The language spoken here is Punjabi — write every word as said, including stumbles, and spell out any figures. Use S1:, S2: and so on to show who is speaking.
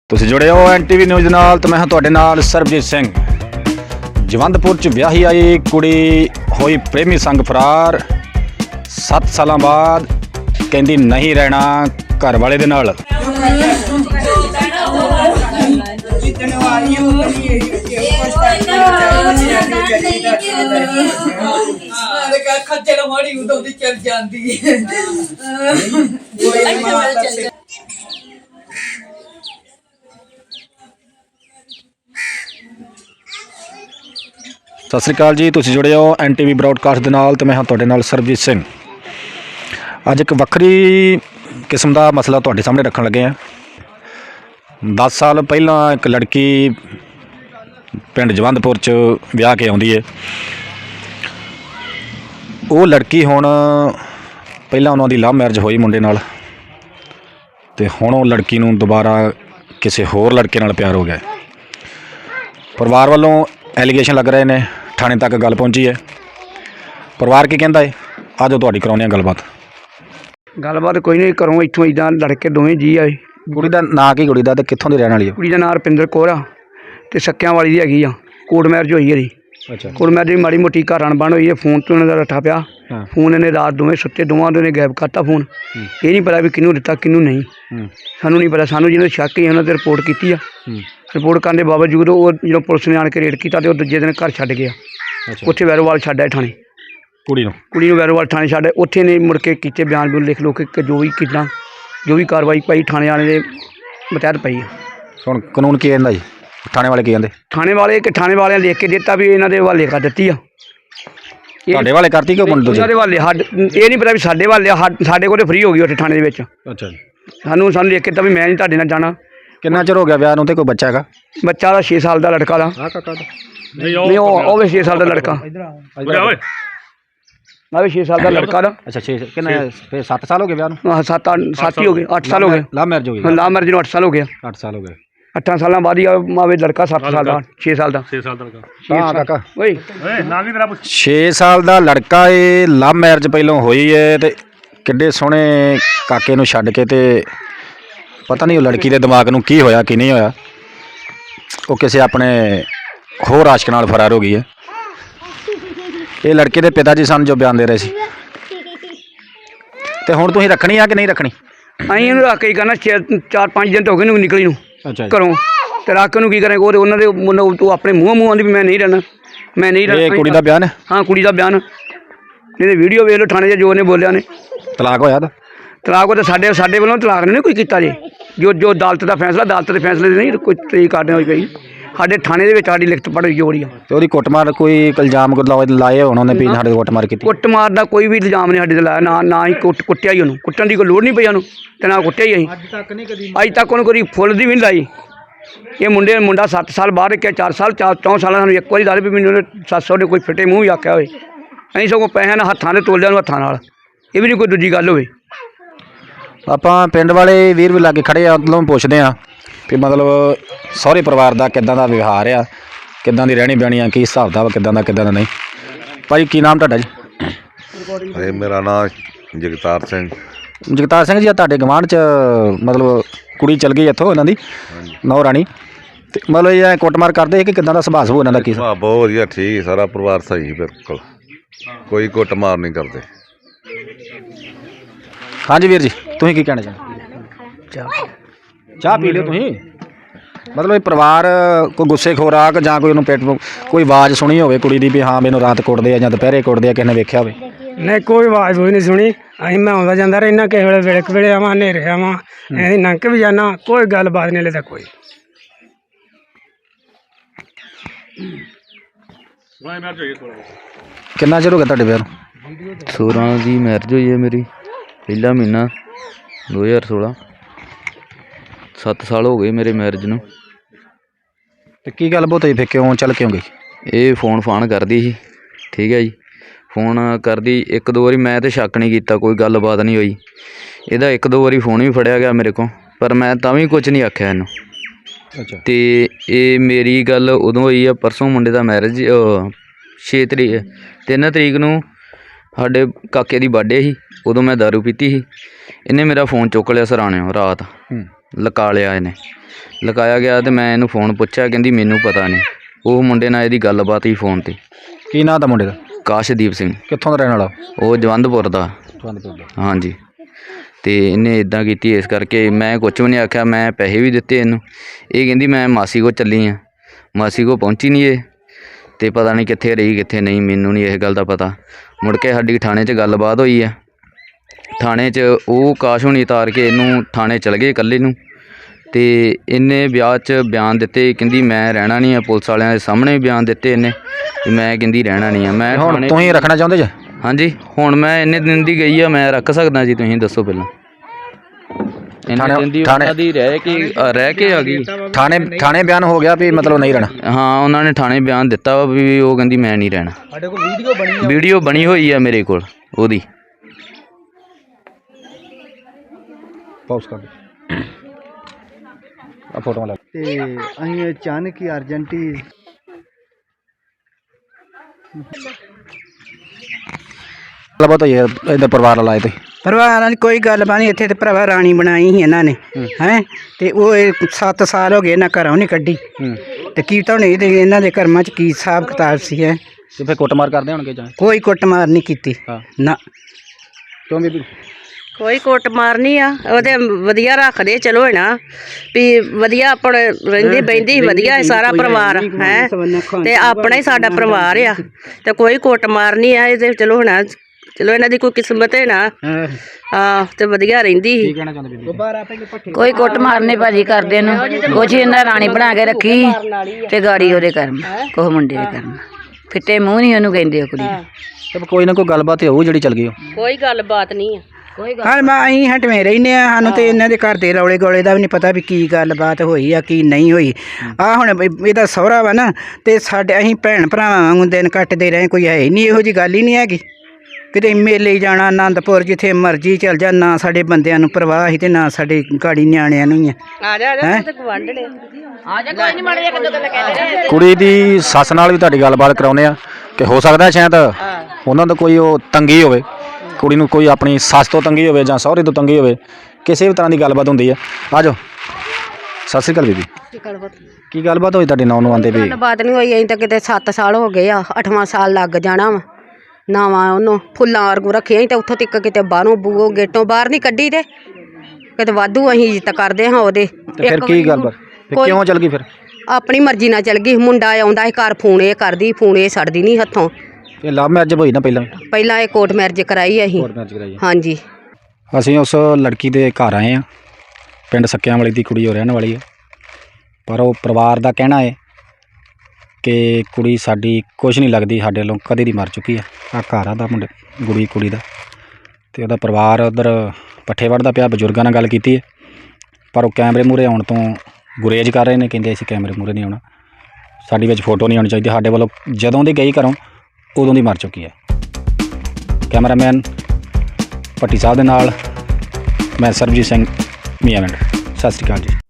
S1: ਤੁਸੀਂ ਜੁੜੇ ਹੋ ਐਨ ਟੀ ਵੀ ਨਿਊਜ਼ ਨਾਲ ਤੇ ਮੈਂ ਹਾਂ ਤੁਹਾਡੇ ਨਾਲ ਸਰਬਜੀਤ ਸਿੰਘ। ਜਵੰਦਪੁਰ 'ਚ ਵਿਆਹੀ ਆਈ ਕੁੜੀ ਹੋਈ ਪ੍ਰੇਮੀ ਸੰਗ ਫਰਾਰ। ਸੱਤ ਸਾਲਾਂ ਬਾਅਦ ਕਹਿੰਦੀ ਨਹੀਂ ਰਹਿਣਾ ਘਰ ਵਾਲੇ ਦੇ ਨਾਲ।
S2: ਖੱਜਲ ਮਾੜੀ ਉਦੋਂ ਦੀ ਚੱਲ ਜਾਂਦੀ
S1: ਸਤਿ ਸ਼੍ਰੀ ਅਕਾਲ ਜੀ, ਤੁਸੀਂ ਜੁੜੇ ਹੋ ਐਨ ਟੀ ਵੀ ਬ੍ਰੌਡਕਾਸਟ ਦੇ ਨਾਲ ਤੇ ਮੈਂ ਹਾਂ ਤੁਹਾਡੇ ਨਾਲ ਸਰਬਜੀਤ ਸਿੰਘ। ਅੱਜ ਇੱਕ ਵੱਖਰੀ ਕਿਸਮ ਦਾ ਮਸਲਾ ਤੁਹਾਡੇ ਸਾਹਮਣੇ ਰੱਖਣ ਲੱਗੇ ਹਾਂ। ਦਸ ਸਾਲ ਪਹਿਲਾਂ ਇੱਕ ਲੜਕੀ ਪਿੰਡ ਜਵੰਦਪੁਰ 'ਚ ਵਿਆਹ ਕੇ ਆਉਂਦੀ ਹੈ। ਉਹ ਲੜਕੀ ਹੁਣ ਪਹਿਲਾਂ ਉਹਨਾਂ ਦੀ ਲਵ ਮੈਰਿਜ ਹੋਈ ਮੁੰਡੇ ਨਾਲ, ਅਤੇ ਹੁਣ ਉਹ ਲੜਕੀ ਨੂੰ ਦੁਬਾਰਾ ਕਿਸੇ ਹੋਰ ਲੜਕੇ ਨਾਲ ਪਿਆਰ ਹੋ ਗਿਆ। ਪਰਿਵਾਰ ਵੱਲੋਂ ਐਲੀਗੇਸ਼ਨ ਲੱਗ ਰਹੇ ਨੇ, ਥਾਣੇ ਤੱਕ ਗੱਲ ਪਹੁੰਚੀ ਹੈ। ਪਰਿਵਾਰ ਕੀ ਕਹਿੰਦਾ ਹੈ, ਅੱਜ ਉਹ ਤੁਹਾਡੀ ਕਰਾਉਂਦੇ ਹਾਂ ਗੱਲਬਾਤ।
S3: ਗੱਲਬਾਤ ਕੋਈ ਨਹੀਂ, ਘਰੋਂ ਇੱਥੋਂ ਇੱਦਾਂ ਲੜਕੇ ਦੋਵੇਂ ਜੀ ਆਏ।
S1: ਕੁੜੀ ਦਾ ਨਾਂ ਕੀ ਕੁੜੀ ਦਾ, ਅਤੇ ਕਿੱਥੋਂ ਦੀ ਰਹਿਣ ਵਾਲੀ ਹੈ?
S3: ਕੁੜੀ ਦਾ ਨਾਂ ਰੁਪਿੰਦਰ ਕੌਰ ਆ ਅਤੇ ਸੱਕਿਆਂ ਵਾਲੀ ਦੀ ਹੈਗੀ ਆ। ਕੋਰਟ ਮੈਰਿਜ ਹੋਈ ਇਹਦੀ।
S1: ਅੱਛਾ।
S3: ਕੋਰਟ ਮੈਰਿਜ ਮਾੜੀ ਮੋਟੀ ਘਰ ਅਣਬਣ ਹੋਈ ਹੈ। ਫੋਨ ਤੋਂ ਇਹਨਾਂ ਦਾ ਰੱਠਾ ਪਿਆ। ਫੋਨ ਇਹਨੇ ਰਾਤ ਦੋਵੇਂ ਸੁੱਤੇ ਦੋਵਾਂ ਦੇ ਨੇ ਗਾਇਬ ਕਰਤਾ ਫੋਨ। ਇਹ ਨਹੀਂ ਪਤਾ ਵੀ ਕਿਹਨੂੰ ਦਿੱਤਾ ਕਿਹਨੂੰ ਨਹੀਂ, ਸਾਨੂੰ ਨਹੀਂ ਪਤਾ। ਸਾਨੂੰ ਜਿਹਨਾਂ ਸ਼ੱਕ ਹੀ ਉਹਨਾਂ 'ਤੇ ਰਿਪੋਰਟ ਕੀਤੀ ਆ। ਰਿਪੋਰਟ ਕਰਨ ਦੇ ਬਾਵਜੂਦ ਉਹ ਜਦੋਂ ਪੁਲਿਸ ਨੇ ਆਣ ਕੇ ਰੇਡ ਕੀਤਾ ਅਤੇ ਉਹ ਦੂਜੇ ਦਿਨ ਘਰ ਛੱਡ ਗਿਆ। ਉੱਥੇ ਵੈਰੋਵਾਲ ਛੱਡ ਆਏ ਥਾਣੇ
S1: ਕੁੜੀ ਨੂੰ
S3: ਕੁੜੀ ਨੂੰ ਵੈਰੋਵਾਲ ਥਾਣੇ ਛੱਡ ਆਏ। ਉੱਥੇ ਨੇ ਮੁੜ ਕੇ ਕੀਤੇ ਬਿਆਨ ਬਿਊਨ ਲਿਖ ਲੋ ਕਿ ਜੋ ਵੀ ਕਿੱਦਾਂ ਜੋ ਵੀ ਕਾਰਵਾਈ ਪਾਈ ਥਾਣੇ ਵਾਲੇ ਦੇ ਮੁਤਹਿਦ ਪਈ ਆ।
S1: ਹੁਣ ਕਾਨੂੰਨ ਕੀ ਕਹਿੰਦਾ ਜੀ, ਥਾਣੇ ਵਾਲੇ ਕੀ ਕਹਿੰਦੇ?
S3: ਥਾਣੇ ਵਾਲੇ ਕਿ ਥਾਣੇ ਵਾਲਿਆਂ ਲਿਖ ਕੇ ਦਿੱਤਾ ਵੀ ਇਹਨਾਂ ਦੇ ਹਵਾਲੇ ਕਰ ਦਿੱਤੀ ਆ।
S1: ਤੁਹਾਡੇ ਵਾਲੇ ਕਰਤੀ ਕਿ ਮੁੰਡੇ
S3: ਉਹਨਾਂ ਦੇ ਹਵਾਲੇ ਸਾਡੇ ਇਹ ਨਹੀਂ ਪਤਾ ਵੀ ਸਾਡੇ ਹਵਾਲੇ ਸਾਡੇ ਕੋਲ ਫਰੀ ਹੋ ਗਈ ਉੱਥੇ ਥਾਣੇ ਦੇ ਵਿੱਚ।
S1: ਅੱਛਾ ਜੀ।
S3: ਸਾਨੂੰ ਸਾਨੂੰ ਲਿਖ ਕੇ ਦਿੱਤਾ ਵੀ ਮੈਂ ਨਹੀਂ ਤੁਹਾਡੇ ਨਾਲ ਜਾਣਾ।
S1: ਕਿੰਨਾ ਚਿਰ ਹੋ ਗਿਆ ਵਿਆਹ ਨੂੰ, ਤੇ ਕੋਈ ਬੱਚਾ ਹੈਗਾ?
S3: ਬੱਚਾ ਦਾ ਛੇ ਸਾਲ ਦਾ ਲੜਕਾ ਦਾ। ਨਹੀਂ ਉਹ ਉਹ ਵੀ ਛੇ ਸਾਲ ਦਾ ਲੜਕਾ। ਮੈਂ ਵੀ ਛੇ ਸਾਲ ਦਾ ਲੜਕਾ ਦਾ।
S1: ਅੱਛਾ ਛੇ ਕਿੰਨਾ ਫਿਰ ਸੱਤ ਸਾਲ ਹੋ ਗਏ ਵਿਆਹ ਨੂੰ?
S3: ਹਾਂ ਸੱਤ ਸੱਤ ਹੀ ਹੋ ਗਏ, ਅੱਠ ਸਾਲ ਹੋ ਗਏ।
S1: ਲਵ ਮੈਰਿਜ ਹੋ ਗਈ?
S3: ਹਾਂ ਲਵ ਮੈਰਿਜ ਨੂੰ ਅੱਠ ਸਾਲ ਹੋ ਗਿਆ।
S1: ਅੱਠ ਸਾਲ ਹੋ ਗਏ।
S3: ਅੱਠਾਂ ਸਾਲਾਂ ਬਾਅਦ ਹੀ ਮਾਵੇ ਲੜਕਾ ਸੱਤ ਸਾਲ ਦਾ ਛੇ ਸਾਲ ਦਾ
S4: ਛੇ ਸਾਲ ਦਾ ਲੜਕਾ।
S1: ਹਾਂ ਕਾਕਾ
S3: ਓਏ
S4: ਨਾ ਕੀ ਤੇਰਾ ਪੁੱਛ।
S1: ਛੇ ਸਾਲ ਦਾ ਲੜਕਾ ਇਹ ਲਵ ਮੈਰਿਜ ਪਹਿਲੋਂ ਹੋਈ ਹੈ, ਤੇ ਕਿੱਡੇ ਸੋਹਣੇ ਕਾਕੇ ਨੂੰ ਛੱਡ ਕੇ, ਤੇ ਪਤਾ ਨਹੀਂ ਉਹ ਲੜਕੀ ਦੇ ਦਿਮਾਗ ਨੂੰ ਕੀ ਹੋਇਆ ਕੀ ਨਹੀਂ ਹੋਇਆ, ਉਹ ਕਿਸੇ ਆਪਣੇ ਹੋਰ ਆਸ਼ਕ ਨਾਲ ਫਰਾਰ ਹੋ ਗਈ ਹੈ। ਇਹ ਲੜਕੇ ਦੇ ਪਿਤਾ ਜੀ ਸਨ ਜੋ ਬਿਆਨ ਦੇ ਰਹੇ ਸੀ। ਤੇ ਹੁਣ ਤੁਸੀਂ ਰੱਖਣੀ ਆ ਕਿ ਨਹੀਂ ਰੱਖਣੀ?
S3: ਅਸੀਂ ਇਹਨੂੰ ਰੱਖ ਕੇ ਹੀ ਕਰਨਾ। ਛੇ ਚਾਰ ਪੰਜ ਦਿਨ ਤਾਂ ਹੋ ਗਏ ਨੂੰ ਨਿਕਲੀ ਨੂੰ
S1: ਅੱਛਾ
S3: ਘਰੋਂ, ਤੇ ਰੱਖ ਨੂੰ ਕੀ ਕਰਾਂਗੇ? ਉਹ ਉਹਨਾਂ ਦੇ ਮੁੰਡੇ ਤੂੰ ਆਪਣੇ ਮੂੰਹ ਮੂੰਹ ਆਂਦੀ ਵੀ ਮੈਂ ਨਹੀਂ ਰਹਿਣਾ ਮੈਂ ਨਹੀਂ ਰਹਿਣਾ।
S1: ਇਹ ਕੁੜੀ ਦਾ ਬਿਆਨ ਹੈ?
S3: ਹਾਂ ਕੁੜੀ ਦਾ ਬਿਆਨ। ਇਹਦੇ ਵੀਡੀਓ ਵੇਖ ਲਓ ਥਾਣੇ 'ਚ ਜੋ ਉਹਨੇ ਬੋਲਿਆ ਨੇ।
S1: ਤਲਾਕ ਹੋਇਆ ਤਾਂ?
S3: ਤਲਾਕ ਉਹ ਤਾਂ ਸਾਡੇ ਸਾਡੇ ਵੱਲੋਂ ਤਲਾਕ ਨਹੀਂ ਕੋਈ ਕੀਤਾ ਜੇ। ਜੋ ਜੋ ਅਦਾਲਤ ਦਾ ਫੈਸਲਾ, ਅਦਾਲਤ ਦੇ ਫੈਸਲੇ ਨਹੀਂ ਕੋਈ ਤਰੀਕ ਕਾਢ ਹੋਈ ਪਈ। ਸਾਡੇ ਥਾਣੇ ਦੇ ਵਿੱਚ ਸਾਡੀ ਲਿਖਤ ਪੜ੍ਹੀ ਹੋ ਰਹੀ ਆ।
S1: ਤੇ ਉਹਦੀ ਕੁੱਟਮਾਰ ਕੋਈ ਇਲਜ਼ਾਮ ਲਾਏ ਹੋਣ ਉਹਨੇ ਵੀ ਸਾਡੇ ਕੁੱਟਮਾਰ ਕੀਤੀ?
S3: ਕੁੱਟਮਾਰ ਦਾ ਕੋਈ ਵੀ ਇਲਜ਼ਾਮ ਨਹੀਂ ਸਾਡੇ 'ਤੇ ਲਾਇਆ। ਨਾ ਨਾ ਹੀ ਕੁੱਟ ਕੁੱਟਿਆ ਹੀ ਉਹਨੂੰ। ਕੁੱਟਣ ਦੀ ਕੋਈ ਲੋੜ ਨਹੀਂ ਪਈ ਉਹਨੂੰ, ਤੇ ਨਾ ਕੁੱਟਿਆ ਹੀ ਅਸੀਂ ਅੱਜ ਤੱਕ ਨਹੀਂ ਕਦੀ। ਅੱਜ ਤੱਕ ਉਹਨੂੰ ਕੋਈ ਫੁੱਲ ਦੀ ਵੀ ਨਹੀਂ ਲਾਈ। ਇਹ ਮੁੰਡੇ ਮੁੰਡਾ ਸੱਤ ਸਾਲ ਬਾਹਰ ਰੱਖਿਆ, ਚਾਰ ਸਾਲ ਚਾਰ ਚੌਂ ਸਾਲਾਂ ਸਾਨੂੰ ਇੱਕ ਵਾਰੀ ਦੱਸ ਵੀ ਮੈਨੂੰ ਉਹਨੇ ਸੱਤ ਸੌ ਨੇ ਕੋਈ ਫਿੱਟੇ ਮੂੰਹ ਹੀ ਆਖਿਆ ਹੋਵੇ। ਅਸੀਂ ਸਗੋਂ ਪੈਸਿਆਂ ਨਾਲ ਹੱਥਾਂ ਦੇ ਤੋਲਿਆਂ ਨੂੰ ਹੱਥਾਂ ਨਾਲ, ਇਹ ਵੀ ਨਹੀਂ ਕੋਈ ਦੂਜੀ ਗੱਲ ਹੋਵੇ।
S1: ਆਪਾਂ ਪਿੰਡ ਵਾਲੇ ਵੀਰ ਵੀ ਲਾਗੇ ਖੜ੍ਹੇ ਆ, ਉਹਨੂੰ ਪੁੱਛਦੇ ਹਾਂ ਕਿ ਮਤਲਬ ਸਹੁਰੇ ਪਰਿਵਾਰ ਦਾ ਕਿੱਦਾਂ ਦਾ ਵਿਵਹਾਰ ਆ, ਕਿੱਦਾਂ ਦੀ ਰਹਿਣੀ ਬਹਿਣੀ ਆ, ਕੀ ਹਿਸਾਬ ਦਾ ਵਾ, ਕਿੱਦਾਂ ਦਾ ਕਿੱਦਾਂ ਦਾ ਨਹੀਂ। ਭਾਈ ਕੀ ਨਾਮ ਤੁਹਾਡਾ ਜੀ?
S5: ਇਹ ਮੇਰਾ ਨਾਮ ਜਗਤਾਰ ਸਿੰਘ।
S1: ਜਗਤਾਰ ਸਿੰਘ ਜੀ, ਆ ਤੁਹਾਡੇ ਗੁਆਂਢ 'ਚ ਮਤਲਬ ਕੁੜੀ ਚਲ ਗਈ ਇੱਥੋਂ ਇਹਨਾਂ ਦੀ ਨੌ ਰਾਣੀ, ਅਤੇ ਮਤਲਬ ਇਹ ਕੁੱਟਮਾਰ ਕਰਦੇ ਕਿ ਕਿੱਦਾਂ ਦਾ ਸੁਭਾਅ ਸੁਭਾਅ ਇਹਨਾਂ ਦਾ ਕੀ?
S5: ਸੁਭਾਅ ਬਹੁਤ ਵਧੀਆ, ਠੀਕ, ਸਾਰਾ ਪਰਿਵਾਰ ਸਹੀ ਬਿਲਕੁਲ, ਕੋਈ ਕੁੱਟਮਾਰ ਨਹੀਂ ਕਰਦੇ।
S1: ਹਾਂਜੀ ਵੀਰ ਜੀ, ਤੁਸੀਂ ਕੀ ਕਹਿਣਾ ਚਾਹੁੰਦੇ? ਚਾਹ ਪੀ ਲਿਓ ਤੁਸੀਂ। ਮਤਲਬ ਇਹ ਪਰਿਵਾਰ ਕੋਈ ਗੁੱਸੇ ਖੋਰਾਕ ਜਾਂ ਕੋਈ ਉਹਨੂੰ ਪੇਟ ਕੋਈ ਆਵਾਜ਼ ਸੁਣੀ ਹੋਵੇ ਕੁੜੀ ਦੀ ਵੀ ਹਾਂ ਮੈਨੂੰ ਰਾਤ ਕੁੱਟਦੇ ਆ ਜਾਂ ਦੁਪਹਿਰੇ ਕੁੱਟਦੇ ਆ, ਕਿਸੇ ਨੇ ਵੇਖਿਆ ਹੋਵੇ?
S6: ਨਹੀਂ ਕੋਈ ਆਵਾਜ਼ ਹੋਈ ਨਹੀਂ ਸੁਣੀ। ਅਸੀਂ ਮੈਂ ਆਉਂਦਾ ਜਾਂਦਾ ਰਹਿਣਾ, ਕਿਸੇ ਵੇਲੇ ਵੇਲੇ ਵੇਲੇ ਆਵਾਂ ਹਨੇਰੇ ਆਵਾਂ, ਅਸੀਂ ਲੰਘ ਕੇ ਵੀ ਜਾਣਾ, ਕੋਈ ਗੱਲਬਾਤ ਨਹੀਂ ਹਲੇ ਤੱਕ ਕੋਈ।
S1: ਕਿੰਨਾ ਚਿਰ ਹੋ ਗਿਆ ਤੁਹਾਡੇ ਵਿਆਹ ਨੂੰ?
S7: ਸੋਲਾਂ ਦੀ ਮੈਰਿਜ ਹੋਈ ਹੈ ਮੇਰੀ, ਪਹਿਲਾ ਮਹੀਨਾ ਦੋ ਹਜ਼ਾਰ ਸੋਲਾਂ। ਸੱਤ ਸਾਲ ਹੋ ਗਏ ਮੇਰੇ ਮੈਰਿਜ ਨੂੰ।
S1: ਤੇ ਕੀ ਗੱਲ ਬਹੁਤ ਹੋਈ ਫਿਰ, ਕਿਉਂ ਚੱਲ ਕਿਉਂ ਗਈ?
S7: ਇਹ ਫੋਨ ਫਾਨ ਕਰਦੀ ਸੀ, ਠੀਕ ਹੈ ਜੀ, ਫੋਨ ਕਰਦੀ ਇੱਕ ਦੋ ਵਾਰੀ। ਮੈਂ ਤਾਂ ਸ਼ੱਕ ਨਹੀਂ ਕੀਤਾ, ਕੋਈ ਗੱਲਬਾਤ ਨਹੀਂ ਹੋਈ। ਇਹਦਾ ਇੱਕ ਦੋ ਵਾਰੀ ਫੋਨ ਵੀ ਫੜਿਆ ਗਿਆ ਮੇਰੇ ਕੋਲ, ਪਰ ਮੈਂ ਤਾਂ ਵੀ ਕੁਝ ਨਹੀਂ ਆਖਿਆ ਇਹਨੂੰ।
S1: ਅੱਛਾ।
S7: ਅਤੇ ਇਹ ਮੇਰੀ ਗੱਲ ਉਦੋਂ ਹੋਈ ਆ ਪਰਸੋਂ, ਮੁੰਡੇ ਦਾ ਮੈਰਿਜ ਛੇ ਤਰੀਕ ਤਿੰਨ ਤਰੀਕ ਨੂੰ ਸਾਡੇ ਕਾਕੇ ਦੀ ਬਰਥਡੇ ਸੀ। ਉਦੋਂ ਮੈਂ ਦਾਰੂ ਪੀਤੀ ਸੀ, ਇਹਨੇ ਮੇਰਾ ਫੋਨ ਚੁੱਕ ਲਿਆ ਸਰਾਣਿਓ ਰਾਤ, ਲਕਾ ਲਿਆ ਇਹਨੇ। ਲਕਾਇਆ ਗਿਆ ਤੇ ਮੈਂ ਇਹਨੂੰ ਫੋਨ ਪੁੱਛਿਆ, ਕਹਿੰਦੀ ਮੈਨੂੰ ਪਤਾ ਨਹੀਂ। ਉਹ ਮੁੰਡੇ ਨਾਲ ਇਹਦੀ ਗੱਲਬਾਤ ਹੀ ਫੋਨ ਤੇ।
S1: ਕੀ ਨਾਂ ਦਾ ਮੁੰਡੇ ਦਾ?
S7: ਕਾਸ਼ਦੀਪ ਸਿੰਘ।
S1: ਕਿੱਥੋਂ ਦਾ ਰਹਿਣ ਵਾਲਾ?
S7: ਉਹ ਜਵੰਦਪੁਰ ਦਾ।
S1: ਜਵੰਦਪੁਰ ਦਾ।
S7: ਹਾਂਜੀ। ਅਤੇ ਇਹਨੇ ਇੱਦਾਂ ਕੀਤੀ, ਇਸ ਕਰਕੇ ਮੈਂ ਕੁਛ ਵੀ ਨਹੀਂ ਆਖਿਆ। ਮੈਂ ਪੈਸੇ ਵੀ ਦਿੱਤੇ ਇਹਨੂੰ। ਇਹ ਕਹਿੰਦੀ ਮੈਂ ਮਾਸੀ ਕੋਲ ਚੱਲੀ ਹਾਂ। ਮਾਸੀ ਕੋਲ ਪਹੁੰਚੀ ਨਹੀਂ ਇਹ, ਅਤੇ ਪਤਾ ਨਹੀਂ ਕਿੱਥੇ ਰਹੀ ਕਿੱਥੇ ਨਹੀਂ, ਮੈਨੂੰ ਨਹੀਂ ਇਸ ਗੱਲ ਦਾ ਪਤਾ। ਮੁੜ ਕੇ ਸਾਡੀ ਥਾਣੇ 'ਚ ਗੱਲਬਾਤ ਹੋਈ ਆ। ਥਾਣੇ 'ਚ ਉਹ ਕਾਸ਼ ਹੋਣੀ ਤਾਰ ਕੇ ਇਹਨੂੰ ਥਾਣੇ ਚਲ ਗਏ ਇਕੱਲੇ ਨੂੰ, ਅਤੇ ਇਹਨੇ ਵਿਆਹ 'ਚ ਬਿਆਨ ਦਿੱਤੇ। ਕਹਿੰਦੀ ਮੈਂ ਰਹਿਣਾ ਨਹੀਂ ਆ। ਪੁਲਿਸ ਵਾਲਿਆਂ ਦੇ ਸਾਹਮਣੇ ਵੀ ਬਿਆਨ ਦਿੱਤੇ ਇਹਨੇ ਵੀ ਮੈਂ ਕਹਿੰਦੀ ਰਹਿਣਾ ਨਹੀਂ ਆ। ਮੈਂ
S1: ਹੁਣ ਤੁਸੀਂ ਰੱਖਣਾ ਚਾਹੁੰਦੇ ਜੇ?
S7: ਹਾਂਜੀ। ਹੁਣ ਮੈਂ ਇੰਨੇ ਦਿਨ ਦੀ ਗਈ ਆ, ਮੈਂ ਰੱਖ ਸਕਦਾ ਜੀ? ਤੁਸੀਂ ਦੱਸੋ ਪਹਿਲਾਂ। ਇੰਨੇ ਦਿਨ ਦੀ ਉਹਨਾਂ ਦੀ ਰਹਿ ਕੇ ਰਹਿ ਕੇ ਆ ਗਈ।
S1: ਥਾਣੇ ਥਾਣੇ ਬਿਆਨ ਹੋ ਗਿਆ ਵੀ ਮਤਲਬ ਨਹੀਂ ਰਹਿਣਾ?
S7: ਹਾਂ, ਉਹਨਾਂ ਨੇ ਥਾਣੇ ਬਿਆਨ ਦਿੱਤਾ ਵਾ ਵੀ ਉਹ ਕਹਿੰਦੀ ਮੈਂ ਨਹੀਂ ਰਹਿਣਾ।
S3: ਸਾਡੇ ਕੋਲ ਵੀਡੀਓ ਬਣੀ
S7: ਵੀਡੀਓ ਬਣੀ ਹੋਈ ਆ ਮੇਰੇ ਕੋਲ ਉਹਦੀ।
S1: ਪੌਸ ਕਰ ਦੇ ਆ ਫੋਟੋਆਂ ਲੈ।
S4: ਤੇ ਅਸੀਂ ਅਚਾਨਕ ਹੀ ਅਰਜੈਂਟੀ
S1: ਗੱਲਬਾਤ ਹੋਈ ਹੈ ਇੱਧਰ ਪਰਿਵਾਰ ਵਾਲਾ ਆਏ ਤੇ?
S8: ਪਰਿਵਾਰਾਂ ਦੀ ਕੋਈ ਗੱਲਬਾਤ ਨਹੀਂ। ਇੱਥੇ ਤੇ ਭਰਾਵਾ ਰਾਣੀ ਬਣਾਈ ਸੀ ਇਹਨਾਂ ਨੇ ਹੈ, ਤੇ ਉਹ ਇਹ ਸੱਤ ਸਾਲ ਹੋ ਗਏ ਇਹਨਾਂ ਘਰੋਂ ਨਹੀਂ ਕੱਢੀ। ਤੇ ਕੀ ਤਾਂ ਨਹੀਂ, ਇਹਨਾਂ ਦੇ ਕਰਮਾਂ 'ਚ ਕੀ ਹਿਸਾਬ ਕਿਤਾਬ ਸੀ ਹੈ।
S1: ਤੇ ਫਿਰ ਕੁੱਟਮਾਰ ਕਰਦੇ ਹੋਣਗੇ ਜਾਂ?
S8: ਕੋਈ ਕੁੱਟਮਾਰ ਨਹੀਂ ਕੀਤੀ ਨਾ।
S1: ਕਿਉਂ ਬੀਬੀ?
S9: ਕੋਈ ਕੁੱਟ ਮਾਰਨੀ ਆ, ਉਹਦੇ ਵਧੀਆ ਰੱਖਦੇ ਚਲੋ ਹੈ ਨਾ ਵੀ ਵਧੀਆ ਆਪਣੇ ਰਹਿੰਦੀ ਬਹਿੰਦੀ ਵਧੀਆ ਹੈ ਸਾਰਾ ਪਰਿਵਾਰ ਹੈ, ਤੇ ਆਪਣਾ ਹੀ ਸਾਡਾ ਪਰਿਵਾਰ ਆ, ਤੇ ਕੋਈ ਕੁੱਟ ਮਾਰਨੀ ਆ ਇਹਦੇ ਚਲੋ ਹੋਣਾ। ਚਲੋ ਇਹਨਾਂ ਦੀ ਕੋਈ ਕਿਸਮਤ ਹੈ ਨਾ। ਹਾਂ, ਤੇ ਵਧੀਆ ਰਹਿੰਦੀ ਸੀ।
S10: ਕੋਈ ਕੁੱਟ ਮਾਰਨੇ ਭਾਜੀ ਕਰਦੇ ਨੂੰ ਕੁਛ ਇਹਨਾਂ ਰਾਣੀ ਬਣਾ ਕੇ ਰੱਖੀ ਤੇ ਗਾੜੀ ਉਹਦੇ ਕਰਮ ਕੋਹ ਮੁੰਡੇ ਦੇ ਕਰਮ ਫਿੱਟੇ ਮੂੰਹ ਨਹੀਂ ਉਹਨੂੰ ਕਹਿੰਦੇ ਕੁੜੀ।
S1: ਤੇ ਕੋਈ ਨਾ ਕੋਈ ਗੱਲਬਾਤ ਹੋਊ ਜਿਹੜੀ ਚੱਲ ਗਈ ਹੋ?
S9: ਕੋਈ ਗੱਲਬਾਤ ਨਹੀਂ ਆ।
S8: ਹਾਂ, ਮੈਂ ਅਸੀਂ ਹਟਵੇਂ ਰਹਿੰਦੇ ਹਾਂ। ਸਾਨੂੰ ਤੇ ਇਹਨਾਂ ਦੇ ਘਰ ਦੇ ਰੌਲੇ ਗੋਲੇ ਦਾ ਵੀ ਨਹੀਂ ਪਤਾ ਵੀ ਕੀ ਗੱਲਬਾਤ ਹੋਈ ਆ ਕੀ ਨਹੀਂ ਹੋਈ। ਆਹ ਹੁਣ ਇਹਦਾ ਸਹੁਰਾ ਵਾ ਨਾ, ਤੇ ਸਾਡੇ ਅਸੀਂ ਭੈਣ ਭਰਾਵਾਂ ਵਾਂਗੂ ਦਿਨ ਕੱਟਦੇ ਰਹੇ। ਕੋਈ ਹੈ ਹੀ ਨਹੀਂ, ਇਹੋ ਜਿਹੀ ਗੱਲ ਹੀ ਨਹੀਂ ਹੈਗੀ। ਕਿਤੇ ਮੇਲੇ ਜਾਣਾ ਆਨੰਦਪੁਰ, ਜਿੱਥੇ ਮਰਜ਼ੀ ਚੱਲ ਜਾ, ਨਾ ਸਾਡੇ ਬੰਦਿਆਂ ਨੂੰ ਪਰਵਾਹ ਸੀ ਤੇ ਨਾ ਸਾਡੇ ਗਾੜੀ ਨਿਆਣਿਆਂ ਨੂੰ ਹੀ ਆ।
S1: ਕੁੜੀ ਦੀ ਸੱਸ ਨਾਲ ਵੀ ਤੁਹਾਡੀ ਗੱਲਬਾਤ ਕਰਾਉਂਦੇ ਆ ਕਿ ਹੋ ਸਕਦਾ ਸ਼ਾਇਦ ਉਹਨਾਂ ਦਾ ਕੋਈ ਉਹ ਤੰਗੀ ਹੋਵੇ, ਕੁੜੀ ਨੂੰ ਕੋਈ ਆਪਣੀ ਸੱਸ ਤੋਂ ਤੰਗੀ ਹੋਵੇ ਜਾਂ ਸਹੁਰੇ ਤੋਂ ਤੰਗੀ ਹੋਵੇ, ਕਿਸੇ ਵੀ ਤਰ੍ਹਾਂ ਦੀ ਗੱਲਬਾਤ ਹੁੰਦੀ ਆ। ਆ ਜਾਓ। ਸਤਿ ਸ਼੍ਰੀ ਅਕਾਲ ਬੀਬੀ। ਕੀ ਗੱਲਬਾਤ ਹੋਈ ਤੁਹਾਡੇ ਨੌਂ ਨੂੰ ਆਂਦੇ ਵੀ?
S9: ਗੱਲਬਾਤ ਨਹੀਂ ਹੋਈ। ਅਸੀਂ ਤਾਂ ਕਿਤੇ ਸੱਤ ਸਾਲ ਹੋ ਗਏ ਆ, ਅੱਠਵਾਂ ਸਾਲ ਲੱਗ ਜਾਣਾ ਵਾ। ਨਾਵਾਂ ਉਹਨੂੰ ਫੁੱਲਾਂ ਵਰਗੂ ਰੱਖਿਆ ਸੀ, ਤੇ ਉੱਥੋਂ ਤੱਕ ਕਿਤੇ ਬਾਹਰੋਂ ਬੂਹੋਂ ਗੇਟੋਂ ਬਾਹਰ ਨਹੀਂ ਕੱਢੀ, ਤੇ ਕਿਤੇ ਵਾਧੂ ਅਸੀਂ ਇੱਜ਼ਤ ਕਰਦੇ ਹਾਂ ਉਹਦੇ।
S1: ਤੇ ਫਿਰ ਕੀ ਗੱਲਬਾਤ? ਕਿਉਂ ਚੱਲ ਗਈ ਫਿਰ?
S9: ਆਪਣੀ ਮਰਜ਼ੀ ਨਾਲ ਚੱਲ ਗਈ। ਮੁੰਡਾ ਆਉਂਦਾ ਸੀ ਘਰ, ਫੋਨ ਇਹ ਕਰਦੀ, ਫੋਨ ਇਹ ਛੱਡਦੀ ਨਹੀਂ ਹੱਥੋਂ।
S1: ਇਹ ਲਵ ਮੈਰਿਜ ਹੋਈ ਨਾ ਪਹਿਲਾਂ?
S9: ਪਹਿਲਾਂ ਇਹ ਕੋਰਟ ਮੈਰਿਜ ਕਰਾਈ ਅਸੀਂ।
S1: ਕੋਰਟ ਮੈਰਿਜ ਕਰਾਈ?
S9: ਹਾਂਜੀ।
S1: ਅਸੀਂ ਉਸ ਲੜਕੀ ਦੇ ਘਰ ਆਏ ਹਾਂ। ਪਿੰਡ ਸੱਕਿਆਂ ਵਾਲੀ ਦੀ ਕੁੜੀ ਹੋ ਰਹਿਣ ਵਾਲੀ ਹੈ, ਪਰ ਉਹ ਪਰਿਵਾਰ ਦਾ ਕਹਿਣਾ ਹੈ ਕਿ ਕੁੜੀ ਸਾਡੀ ਕੁਛ ਨਹੀਂ ਲੱਗਦੀ, ਸਾਡੇ ਵੱਲੋਂ ਕਦੇ ਦੀ ਮਰ ਚੁੱਕੀ ਆ। ਆ ਘਰ ਆ ਦਾ ਮੁੰਡੇ ਕੁੜੀ ਕੁੜੀ ਦਾ, ਅਤੇ ਉਹਦਾ ਪਰਿਵਾਰ ਉੱਧਰ ਪੱਠੇ ਵੱਢਦਾ ਪਿਆ। ਬਜ਼ੁਰਗਾਂ ਨਾਲ ਗੱਲ ਕੀਤੀ ਹੈ, ਪਰ ਉਹ ਕੈਮਰੇ ਮੂਹਰੇ ਆਉਣ ਤੋਂ ਗੁਰੇਜ਼ ਕਰ ਰਹੇ ਨੇ। ਕਹਿੰਦੇ ਅਸੀਂ ਕੈਮਰੇ ਮੂਹਰੇ ਨਹੀਂ ਆਉਣਾ, ਸਾਡੀ ਵਿੱਚ ਫੋਟੋ ਨਹੀਂ ਆਉਣੀ ਚਾਹੀਦੀ। ਸਾਡੇ ਵੱਲੋਂ ਜਦੋਂ ਦੀ ਗਈ ਘਰੋਂ ਉਦੋਂ ਦੀ ਮਰ ਚੁੱਕੀ ਹੈ। ਕੈਮਰਾਮੈਨ ਭੱਟੀ ਸਾਹਿਬ ਦੇ ਨਾਲ ਮੈਂ ਸਰਬਜੀਤ ਸਿੰਘ ਮੀਆਂਵਿੰਡ। ਸਤਿ ਸ਼੍ਰੀ ਅਕਾਲ ਜੀ।